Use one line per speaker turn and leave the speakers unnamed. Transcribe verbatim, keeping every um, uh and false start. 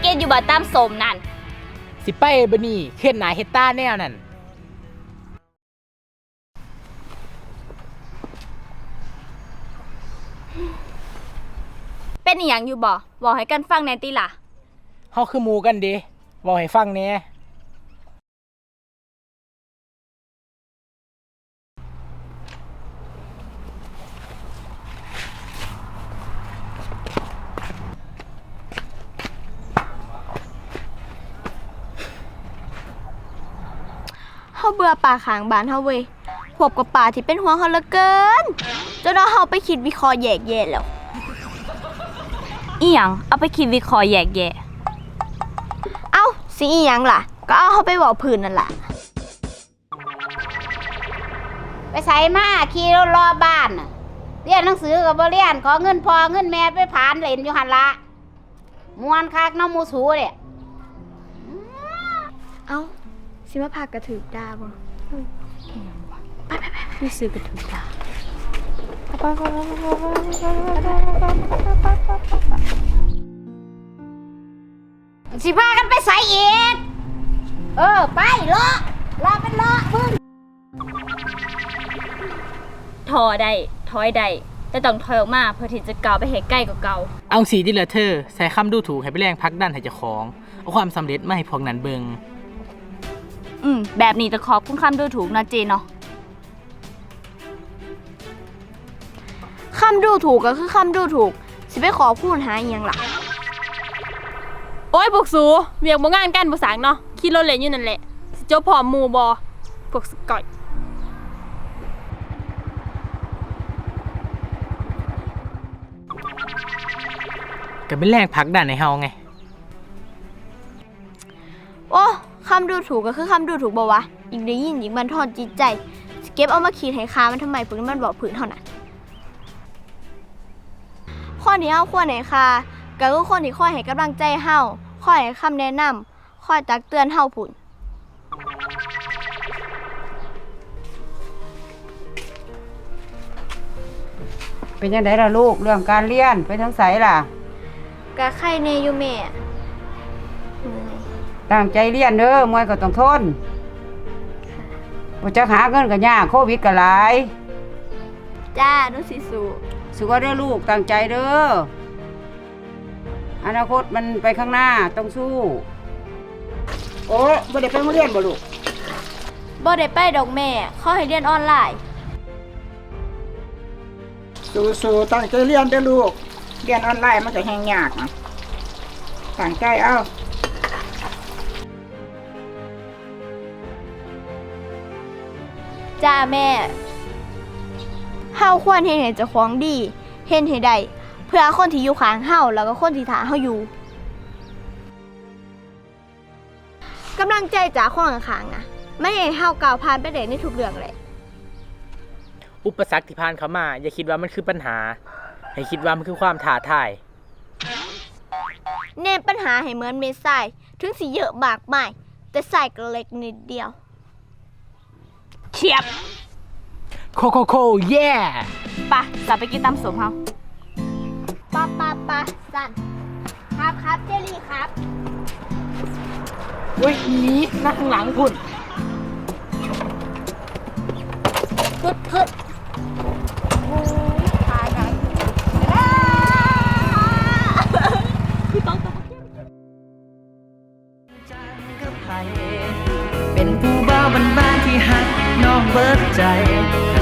กินอยู่บ่ตามสมนั่น
สิไปบ่นี่เฮ็ดหน้าเฮ็ดตาแนวนั่น
เป็นอีหยังอยู่บ่บอกให้กันฟังแหน่ติล่ะ
เฮาคือหมู่กันเด้เว้าให้ฟังแหน่
เฮาเบื่อป่าขางบ้านเฮาเว้ยพวกกับป่าที่เป็นห่วงเฮาเหลือเกินจนเฮาไปคิดวิเคราะห์แยกแยะแล้ว
อีหยังเอาไปคิดวิเคราะห์แยกแยะ
เอ้าสิอีหยังล่ะก็เอาเฮาไปเว้าพื้นนั่นล่ะ
ไปใส่มาขี่รถรอบ้านเรียนหนังสือกับบ่เรียนขอเงินพอเงินแม่ไปผานเล่นอยู่หันละมวนคักน้องมูสูเนี่ย
เอ้าสิมาพากระถือดาบ่ไปไปไปมีซื้อกระถือดา
สิพากันไปใส่อีกเออไปเลาะเลาะเป็นเลาะมึง
ถอได้ถอยได้แต่ต้องถอยออกมาเพื่อที่จะก้าวไปให้ใกล้กว่าเก่า
เอาสีดิละเธอใส่คำดูถูกให้ไปแรงพักดันให้เจ้าของเอาความสำเร็จมาให้พวกนั้นเบิง
อืมแบบนี้จะขอบคุณคำดูถูกนะเจนเนาะ
คำดูถูกก็คือคำดูถูกสิไปขอพูดหาอีหยังล่ะ
โอ้ยพวกสูเวียกบ่งานกันบ่สางเนาะขี่รถเล่นอยู่นั่นแหละสิจบพร้อมหมู่บ่พวกสกอย
ก็เป็นแรงพักดันให้เฮาไง
โอ้คำดูถูกก็คือคำดูถูกบ่วะยิ่งได้ยินยิ่งบันทอนจิตใจเก็บเอามาคิดให้คามันทำไมพวกนี้มันบอกผืนเท่านั้นข้อที่เฮาควรให้คาก็คือคนที่คอยให้กำลังใจเฮาคอยให้คำแนะนำคอยตักเตือนเฮาพุ่น
เป็นยังไงล่ะลูกเรื่องการเรียนไปทั้งไสล่ะ
กะไข่เนอยู่แม่
ตั้งใจเรียนเด้อมวยก็ต้องทนบ่จะหาเงินก็ยากโควิดก็หลาย
จ้านุสิสู
สู้เด้อลูกตั้งใจเด้ออนาคตมันไปข้างหน้าต้องสู้โอ้บ่ได้ไปโรงเรียนบ่ลูก
บ่ได้ไปดอกแม่เขาให้เรียนออนไลน์
สู้ๆตั้งใจเรียนเด้อลูกเรียนออนไลน์มันก็แฮงยากนะตั้งใจเอา
จ้าแม่เฮาควรเฮ็ดให้เจ้าของดีเฮ็ดให้ได้เพื่อคนที่อยู่ข้างเฮาแล้วก็คนที่ท่าเฮาอยู่กำลังใจจากคนข้างๆนะไม่ให้เฮาก้าวผ่านไปได้ในทุกเรื่องเลย
อุปสรรคที่ผ่านเข้ามาอย่าคิดว่ามันคือปัญหาให้คิดว่ามันคือความท้าทาย
เน้นปัญหาให้เหมือนเม็ดทรายถึงสิเยอะมากมายแต่ทรายก็เล็กนิดเดียว
เฉียบ
โคโคโคเย่
ปะจะไปกินตำสมเฮา
ปะปะปะสั่นครับครับเจลี่ครับ
เฮ้ยนี้นั่งข้างหลังคุณ
พึดพึดโอ้ยตายไหนพี่ต้องต้อง
เป็นผู้บ่าวบ้านๆที่หักน้องเบิดใจ